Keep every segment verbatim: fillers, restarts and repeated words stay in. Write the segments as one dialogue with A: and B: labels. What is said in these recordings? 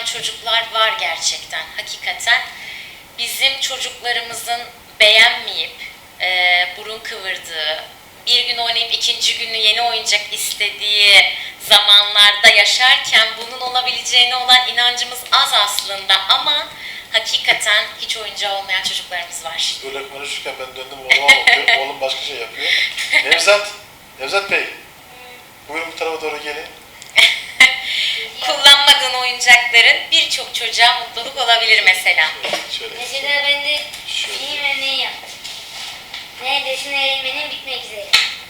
A: oynayan çocuklar var gerçekten, hakikaten. Bizim çocuklarımızın beğenmeyip, e, burun kıvırdığı, bir gün oynayıp ikinci günü yeni oyuncak istediği zamanlarda yaşarken bunun olabileceğine olan inancımız az aslında, ama hakikaten hiç oyuncağı olmayan çocuklarımız var.
B: Böyle konuşurken ben döndüm oğluma bakıyorum, oğlum başka şey yapıyor. Nevzat, Nevzat Bey, buyurun bu tarafa doğru gelin.
A: Kullanmadığın oyuncakların birçok çocuğa mutluluk olabilir mesela.
B: Şöyle.
C: Mesela ben de
B: Şöyle.
C: film örneği yaptım. Neredesin eğilmenin bitmek üzere.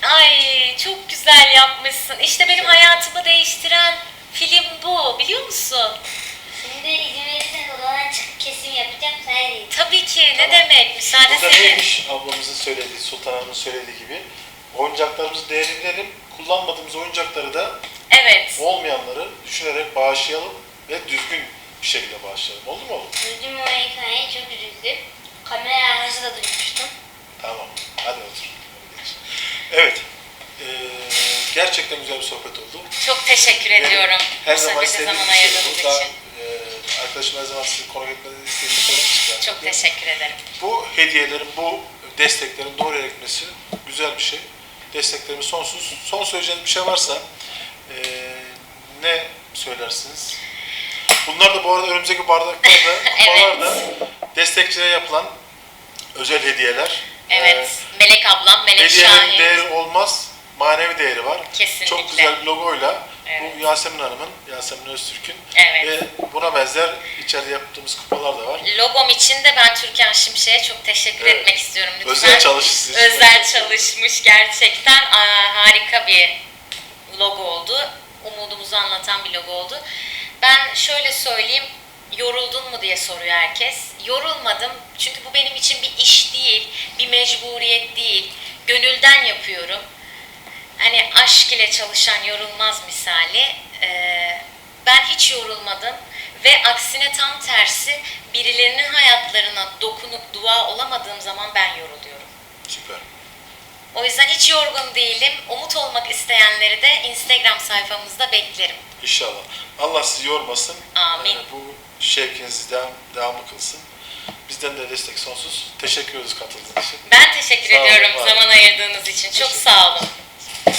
A: Ay çok güzel yapmışsın. İşte benim hayatımı değiştiren film bu, biliyor musun?
C: Şimdi izin verirseniz odadan çıkıp kesim yapacağım. Sen değil.
A: Tabii ki, ne
B: Tamam.
A: demek, müsaade
B: Burada
A: senin.
B: neymiş ablamızın söylediği, Sultan Hanım'ın söylediği gibi oyuncaklarımızı değerini bilelim, kullanmadığımız oyuncakları da
A: Evet.
B: olmayanları düşünerek bağışlayalım ve düzgün bir şekilde bağışlayalım. Oldu mu oğlum?
C: Üzüldüm o hikayeye, çok üzüldüm. Kamera arkası da duymuştum.
B: Tamam, hadi otur. Hadi geç. Evet, ee, gerçekten güzel bir sohbet oldu.
A: Çok teşekkür ediyorum.
B: Her
A: Bu
B: zaman
A: sohbete
B: istediğim
A: zaman
B: bir şey
A: ayırdığınız
B: bu. Daha,
A: için.
B: ee, arkadaşım her zaman sizi konuk etmenizi istediğini söylemiştim.
A: Çok teşekkür ederim.
B: Bu hediyelerin, bu desteklerin doğru yere gitmesi güzel bir şey. Desteklerimiz sonsuz. Son söyleyeceğiniz bir şey varsa ee, ne söylersiniz? Bunlar da bu arada önümüzdeki bardaklarda, kupalarda destekçilere yapılan özel hediyeler.
A: Evet.
B: Ee,
A: Melek ablam, Melek
B: Hediyelerin
A: Şahin.
B: değeri olmaz, manevi değeri var.
A: Kesinlikle.
B: Çok güzel bir logoyla
A: Evet.
B: bu Yasemin Hanım'ın, Yasemin Öztürk'ün
A: Evet.
B: ve buna benzer içeride yaptığımız kupalar da var.
A: Logom için de ben Türkan Şimşek'e çok teşekkür
B: Evet.
A: etmek istiyorum. Lütfen.
B: Özel çalışmış.
A: Özel çalışmış gerçekten. Aa, harika bir logo oldu. Umudumuzu anlatan bir logo oldu. Ben şöyle söyleyeyim, yoruldun mu diye soruyor herkes. Yorulmadım, çünkü bu benim için bir iş değil, bir mecburiyet değil. Gönülden yapıyorum. Hani aşk ile çalışan yorulmaz misali. Ee, ben hiç yorulmadım ve aksine tam tersi, birilerinin hayatlarına dokunup dua olamadığım zaman ben yoruluyorum.
B: Süper.
A: O yüzden hiç yorgun değilim. Umut olmak isteyenleri de Instagram sayfamızda beklerim.
B: İnşallah. Allah sizi yormasın.
A: Amin.
B: Ee, bu şevkinizi devam, devamlı kılsın. Bizden de destek sonsuz. Teşekkür ederiz katıldığınız için.
A: Ben teşekkür
B: Sağ olun,
A: ediyorum
B: var olun.
A: zaman ayırdığınız için. Çok
B: Teşekkür
A: sağ olun.